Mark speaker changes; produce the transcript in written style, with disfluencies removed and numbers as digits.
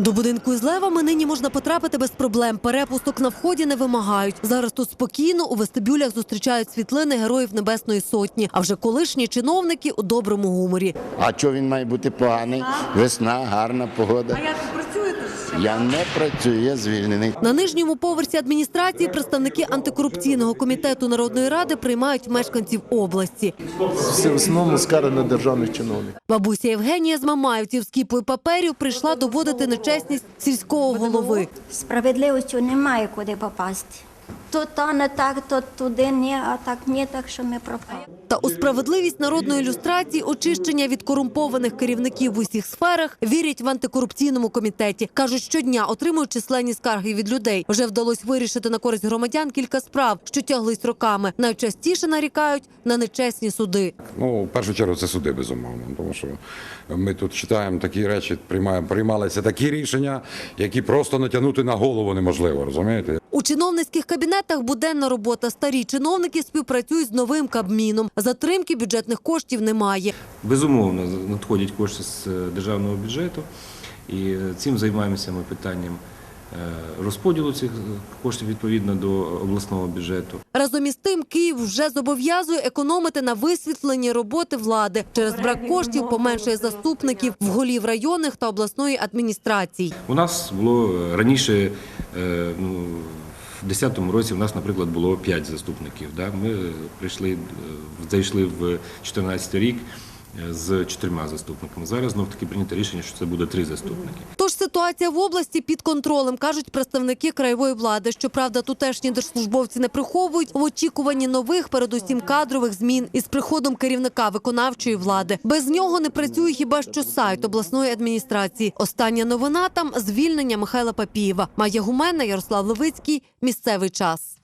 Speaker 1: До будинку із левами нині можна потрапити без проблем. Перепусток на вході не вимагають. Зараз тут спокійно, у вестибюлях зустрічають світлини Героїв Небесної Сотні. А вже колишні чиновники у доброму гуморі.
Speaker 2: А чого він має бути поганий? Весна, гарна погода.
Speaker 1: А як ви працюєте?
Speaker 2: Я не працюю, я звільнений.
Speaker 1: На нижньому поверсі адміністрації представники антикорупційного комітету Народної ради приймають мешканців області.
Speaker 3: Всі в основному скарги на державних чиновників.
Speaker 1: Бабуся Євгенія з Мамаївців з кіпою паперів прийшла доводити нечесність сільського голови.
Speaker 4: Справедливостю немає куди попасти. То не так, то туди ні, а так ні, так що ми пропали.
Speaker 1: Та у справедливість народної люстрації, очищення від корумпованих керівників в усіх сферах вірять в антикорупційному комітеті. Кажуть, щодня отримують численні скарги від людей. Вже вдалося вирішити на користь громадян кілька справ, що тяглись роками. Найчастіше нарікають на нечесні суди.
Speaker 5: В першу чергу це суди, безумовно. Тому що ми тут читаємо такі речі, приймалися такі рішення, які просто натягнути на голову неможливо, розумієте?
Speaker 1: У чиновницьких кабінетах буденна робота. Старі чиновники співпрацюють з новим Кабміном. Затримки бюджетних коштів немає.
Speaker 6: Безумовно, надходять кошти з державного бюджету, і цим займаємося ми питанням розподілу цих коштів відповідно до обласного бюджету.
Speaker 1: Разом із тим, Київ вже зобов'язує економити на висвітленні роботи влади. Через брак коштів поменшує заступників в голів районних та обласної адміністрацій.
Speaker 6: У нас було раніше, в 2010 році у нас, наприклад, було 5 заступників. Ми зайшли в 2014 рік з 4 заступниками. Зараз знов-таки прийнято рішення, що це буде 3 заступники.
Speaker 1: Тож ситуація в області під контролем, кажуть представники краєвої влади. Щоправда, тутешні держслужбовці не приховують в очікуванні нових, передусім кадрових змін із приходом керівника виконавчої влади. Без нього не працює хіба що сайт обласної адміністрації. Остання новина там – звільнення Михайла Папієва. Майя Гуменна, Ярослав Левицький. Місцевий час.